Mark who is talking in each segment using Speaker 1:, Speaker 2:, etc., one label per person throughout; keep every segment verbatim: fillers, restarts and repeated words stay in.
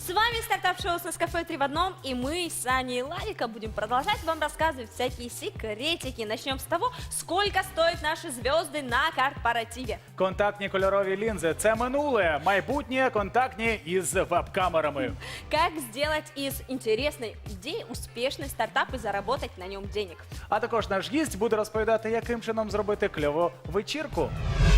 Speaker 1: С вами стартап-шоу с Нескафе три в одном, и мы с Аней и Ларика будем продолжать вам рассказывать всякие секретики. Начнем с того, сколько стоят наши звезды на корпоративе.
Speaker 2: Контактні кольорові лінзи – це минуле, майбутнє контактні із веб-камерами.
Speaker 1: Как сделать из интересной идеи успешный стартап и заработать на нем денег.
Speaker 2: А також наш гість буде розповідати, яким чином зробити кльову вечірку.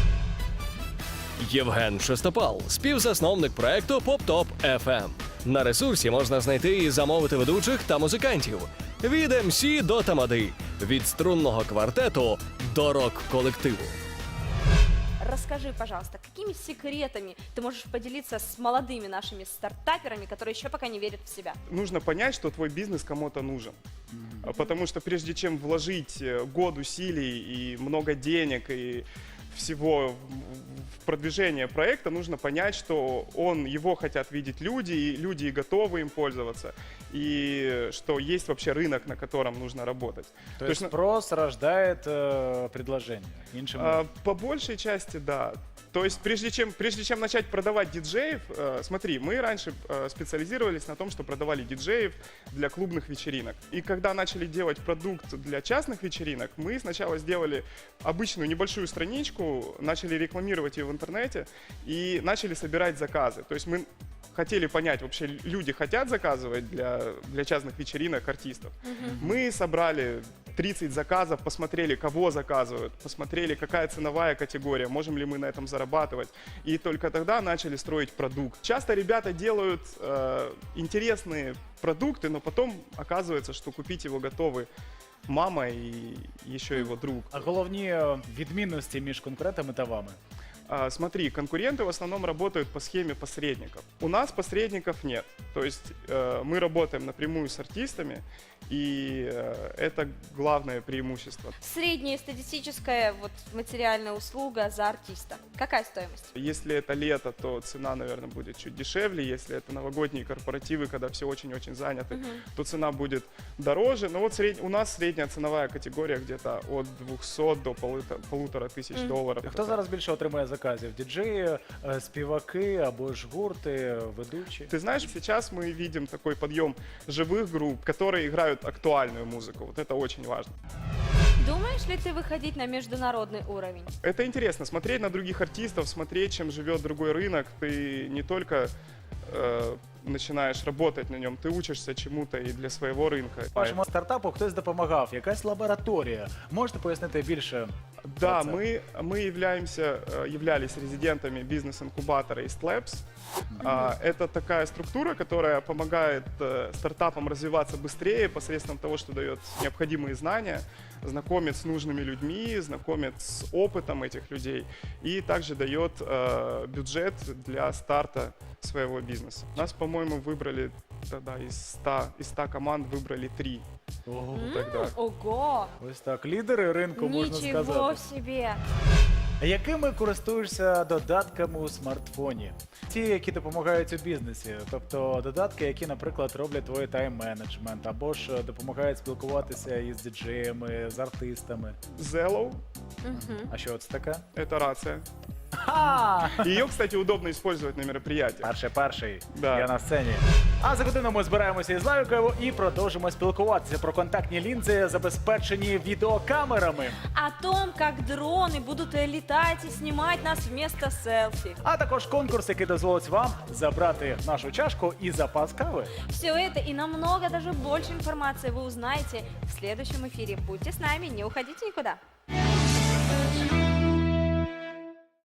Speaker 3: Євген Шестопал, співзасновник проекту PopTop еф ем. На ресурсі можна знайти і замовити ведучих та музикантів. Від ем сі до тамади, від струнного квартету до рок-колективу.
Speaker 1: Расскажи, пожалуйста, какими секретами ты можешь поделиться с молодыми нашими стартаперами, которые еще пока не верят в себя?
Speaker 4: Нужно понять, что твой бизнес кому-то нужен. А Потому что прежде чем вложить э, год усилий и много денег и всего в в продвижение проекта, нужно понять, что он, его хотят видеть люди, и люди и готовы им пользоваться, и что есть вообще рынок, на котором нужно работать.
Speaker 2: То
Speaker 4: То
Speaker 2: есть
Speaker 4: есть,
Speaker 2: спрос рождает э, предложение. Іншими.
Speaker 4: а, По большей части, да. То есть прежде чем, прежде чем начать продавать диджеев, э, смотри, мы раньше э, специализировались на том, что продавали диджеев для клубных вечеринок. И когда начали делать продукт для частных вечеринок, мы сначала сделали обычную небольшую страничку, начали рекламировать ее в интернете и начали собирать заказы. То есть мы хотели понять, вообще люди хотят заказывать для, для частных вечеринок артистов. Мы собрали тридцать заказов, посмотрели, кого заказывают, посмотрели, какая ценовая категория, можем ли мы на этом зарабатывать. И только тогда начали строить продукт. Часто ребята делают э, интересные продукты, но потом оказывается, что купить его готовы мама и еще его друг.
Speaker 2: А головні е, відмінності між конкурентами та вами?
Speaker 4: А, Смотри, конкуренты в основном работают по схеме посредников. У нас посредников нет. То есть э, мы работаем напрямую с артистами, и э, это главное преимущество.
Speaker 1: Средняя статистическая вот, материальная услуга за артиста. Какая стоимость?
Speaker 4: Если это лето, то цена, наверное, будет чуть дешевле. Если это новогодние корпоративы, когда все очень-очень заняты, то цена будет дороже. Но вот сред... у нас средняя ценовая категория где-то от двухсот до полуто- полутора тысяч долларов.
Speaker 2: А хто зараз більше отримує заказів? Діджеї, е, співаки або ж гурти, ведучі?
Speaker 4: Ты знаешь, сейчас мы видим такой подъем живых групп, которые играют актуальную музыку. Вот это очень важно.
Speaker 1: Думаешь ли ты выходить на международный уровень?
Speaker 4: Это интересно, смотреть на других артистов, смотреть, чем живет другой рынок. Ты не только э, начинаешь работать на нем, ты учишься чему-то и для своего рынка.
Speaker 2: Вашому стартапу хтось допомагав, якась лабораторія. Можете пояснити більше?
Speaker 4: Да,
Speaker 2: про це?
Speaker 4: мы, мы являемся, э, являлись резидентами бизнес-инкубатора East Labs. А, Это такая структура, которая помогает э, стартапам развиваться быстрее посредством того, что дает необходимые знания, знакомит с нужными людьми, знакомит с опытом этих людей и также дает э, бюджет для старта своего бизнеса. Нас, по-моему, выбрали тогда из ста, из ста команд выбрали три.
Speaker 2: Ого.
Speaker 4: Тогда.
Speaker 1: Ого!
Speaker 2: Ось так, лідери ринку, можна
Speaker 1: Ничего
Speaker 2: сказати.
Speaker 1: себе!
Speaker 2: Якими користуєшся додатками у смартфоні? Ті, які допомагають у бізнесі, тобто додатки, які, наприклад, роблять твій тайм-менеджмент, або ж допомагають спілкуватися із діджеями, з артистами.
Speaker 4: Zello
Speaker 2: А що це таке?
Speaker 4: – это рация.
Speaker 2: Ха!
Speaker 4: Ее, кстати, удобно использовать на мероприятиях.
Speaker 2: Перший перший,
Speaker 4: Да.
Speaker 2: я на сцені. А за годину ми збираємося із Ларикою і продовжимо спілкуватися про контактні лінзи, забезпечені відеокамерами.
Speaker 1: О том, как дроны будут летать и снимать нас вместо селфи.
Speaker 2: А також конкурс, який дозволить вам забрати нашу чашку і запас кави.
Speaker 1: Все это и намного даже больше информации вы узнаете в следующем эфире. Будьте с нами, не уходите никуда.